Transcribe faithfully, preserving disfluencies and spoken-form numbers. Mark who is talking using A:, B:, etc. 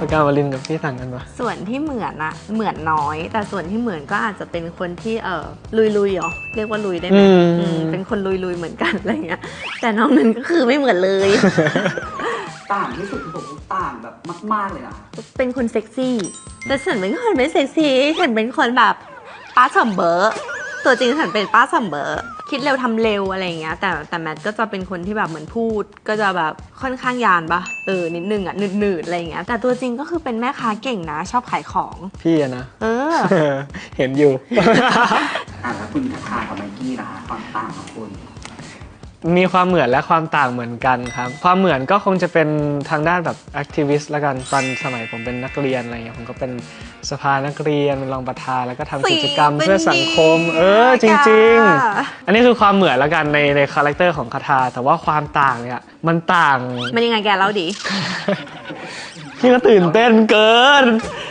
A: ปากกาวลินกับพี่ต่างกันปะ
B: ส่วนที่เหมือนอะเหมือนน้อย แต่ส่วนที่เหมือนก็อาจจะเป็นคนที่เออลุยลุยเหรอเรียกว่าลุยได้ไหมเป็นคนลุยลุยเหมือนกันอะไรเงี้ยแต่น้องนั้นก็คือไม่เหมือนเลย
C: ต่างที่สุดคือผมต่างแบบมากๆเลยนะ
B: เป็นคนเซ็กซี่แต่ฉันเป็นคนไม่เซ็กซี่ฉันเป็นคนแบบป้าสมเบอร์ตัวจริงฉันเป็นป้าสมเบอร์คิดเร็วทำเร็วอะไรเงี้ยแต่แต่แมทก็จะเป็นคนที่แบบเหมือนพูดก็จะแบบค่อนข้างยานปะเออนิดนึงอ่ะหนืดๆอะไรเงี้ยแต่ตัวจริงก็คือเป็นแม่ค้าเก่งนะชอบขายของ
A: พี่อะนะ
B: เออ
A: เห็นอยู่
C: อ่ะแล้วคุณคาทากับไมกี้นะคะความต่างของคุณ
A: มีความเหมือนและความต่างเหมือนกันครับความเหมือนก็คงจะเป็นทางด้านแบบแอคทิวิสต์ละกันตอนสมัยผมเป็นนักเรียนอะไรเงี้ยผมก็เป็นสภานักเรียนเป็นรองประธานแล้วก็ทำกิจกรรมเพื่อสังคมเออจริงๆอันนี้คือความเหมือนละกันในในคาแรคเตอร์ของคาทาแต่ว่าความต่างเนี่ยมันต่าง
B: มันยังไงแกเล่าดิ
A: พี่ก็ตื่นเต้นเกิน